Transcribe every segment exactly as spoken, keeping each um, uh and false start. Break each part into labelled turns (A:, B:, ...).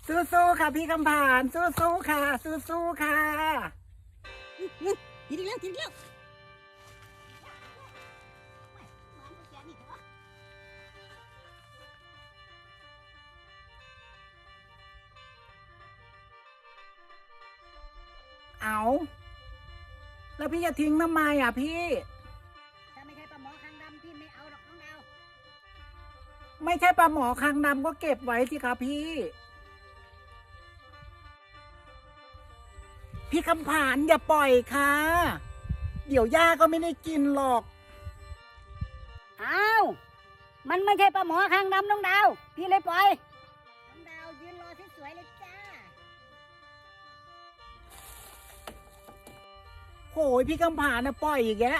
A: สู้ๆค่ะพี่คำผ่านสู้ๆค่ะสู้ๆค่ะ
B: กินอีกแล้วกินอีกแล้ว
A: เอาแล้วพี่จะทิ้งทำไมอ่ะพี่
B: ถ้าไม่ใช่ปลาหมอคางดำพี่ไม่เอาหรอกน้องดาว
A: ไม่ใช่ปลาหมอคางดำก็เก็บไว้สิคะพี่ พี่คำผ่านอย่าปล่อยค่ะเดี๋ยวย่าก็ไม่ได้กินหรอก
B: อ้าวมันไม่ใช่ปลาหมอคางดำน้องดาวพี่เลยปล่อยน้องดาวยืนรอสวยๆเลยจ้า
A: โหยพี่คำผ่านนะปล่อยอีกแล้ว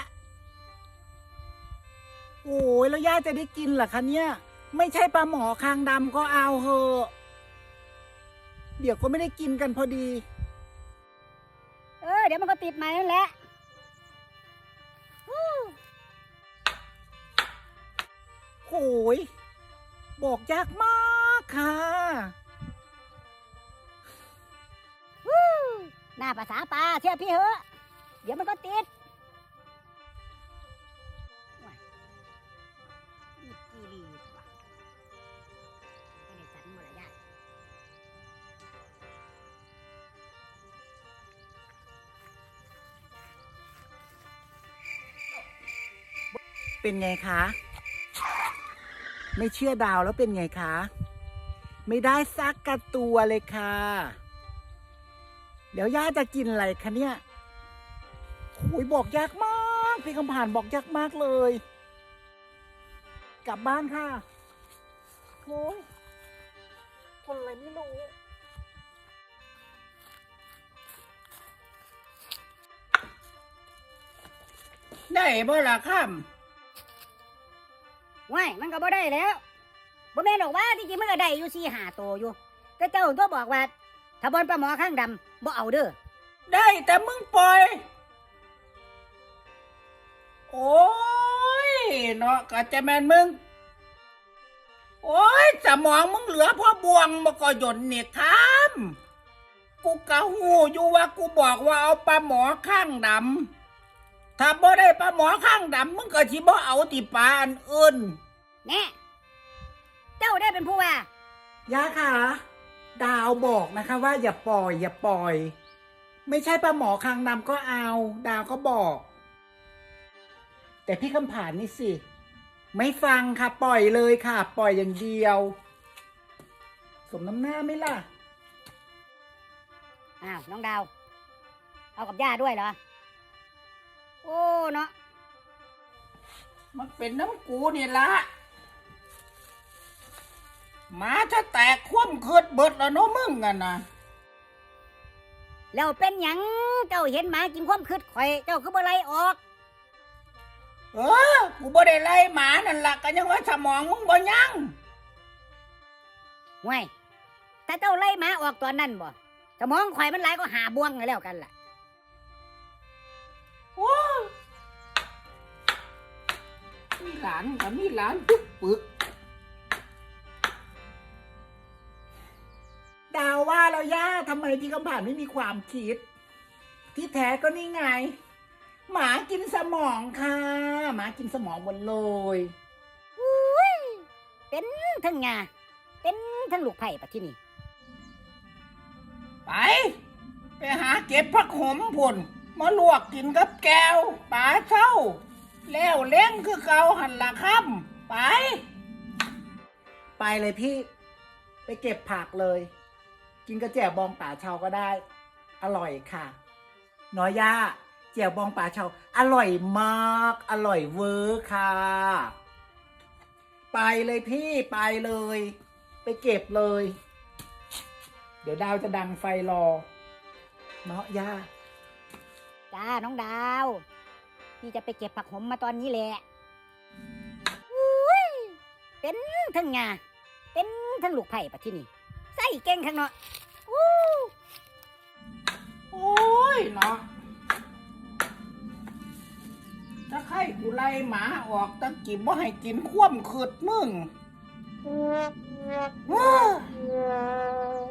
A: โอ้ยแล้วย่าจะได้กินเหรอคะเนี่ยไม่ใช่ปลาหมอคางดำก็เอาเหอะเดี๋ยวก็ไม่ได้กินกันพอดี
B: เออเดี๋ยวมันก็ติดใหม่นั่นแหละ
A: โหยบอกยากมากค่ะ
B: หน้าภาษาปลาเชื่อพี่เหอะเดี๋ยวมันก็ติดนี่กีรีว่ะไม่ได้สันหมดละยาย
A: เป็นไงคะไม่เชื่อดาวแล้วเป็นไงคะไม่ได้ซักกระตัวเลยค่ะเดี๋ยวย่าจะกินอะไรคะเนี่ยโอ้ยบอกยากมากพี่คำผ่านบอกยากมากเลยกลับบ้านค่ะโอ้ยคนอะไรไม่รู้ได้บ่ล่ะค่ำ
B: ว้ายมันก็บ่ได้แล้วบ่แม่นหรอกว่าที่จริงมันก็ได้อยู่สี่ห้าตัวอยู่แต่เจ้าตัวบอกว่าถ้าบอลปลาหมอข้างดำบ่เอาเด้อ
A: ได้แต่มึงปล่อยโอ้ยเนาะก็จะแม่นมึงโอ้ยสมองมึงเหลือพ่อบวงมาก็หย่นเนี่ยทำกูกะหูอยู่ว่ากูบอกว่าเอาปลาหมอข้างดำถ้าบ่ได้ปลาหมอข้างดำมึงก็สิบ่เอาติปลาอันอื่น
B: แน่เจ้าได้เป็นผู้ว่า
A: ย่าค่ะดาวบอกนะคะว่าอย่าปล่อยอย่าปล่อยไม่ใช่ปลาหมอข้างดำก็เอาดาวก็บอกแต่พี่คำผ่านนี่สิไม่ฟังค่ะปล่อยเลยค่ะปล่อยอย่างเดียวสมน้ำหน้าไหมล่ะ
B: อ้าวน้องดาวเอากับย่าด้วยเหรอโอ้เนาะ
A: มันเป็นน้ำกูนี่ละหมาถ้าแตกคว่ำคืดเบิดแล้วเนาะมึงกันนะ
B: แล้วเป็นหยังเจ้าเห็นหมากินความคืดข่อยเจ้าคือบ่ไล่ออก
A: เออกูบ่ได้ไล่หมานั่นล่ะก็ยังว่าสมองมึงบ่ยัง
B: ห่วยถ้าเจ้าไล่หมาออกตอนนั้นบ่สมองข่อยมันไหลก็หาบ่วงแล้วกันล่ะ
A: โอ้มีหลานกับมีหลานปึ๊กปึกดาวว่าแล้วย่าทำไมพี่คำผ่านไม่มีความคิดที่แท้ก็นี่ไงหมากินสมองค่ะหมากินสมองหมดเลย
B: อุ้ยเป็นทั้งงาเป็นทั้งลูกไผ่ปะที่นี่
A: ไปไปหาเก็บผักขมพุ่นมาลวกกินกับแก้วปลาเช่าแล้วเล้งคือเกาหันละค่ำไปไปเลยพี่ไปเก็บผักเลยกินกระแจ่วบองป่าเชาก็ได้อร่อยค่ะน้อยย่าแจ่วบองป่าเชาอร่อยมากอร่อยเวอร์ค่ะไปเลยพี่ไปเลยไปเก็บเลยเดี๋ยวดาวจะดังไฟรอเนาะย่า
B: จ้าน้องดาวพี่จะไปเก็บผักหอมมาตอนนี้แหละอุ้ยเป็นทั้งงาเป็นทั้งลูกไผ่ปะที่นี่ใส่เก่งข้างเนาะอู้
A: โอ้ยเนาะถ้าใครกูไล่หมาออกตั้งกินว่าให้กินคว่ำคืดมึง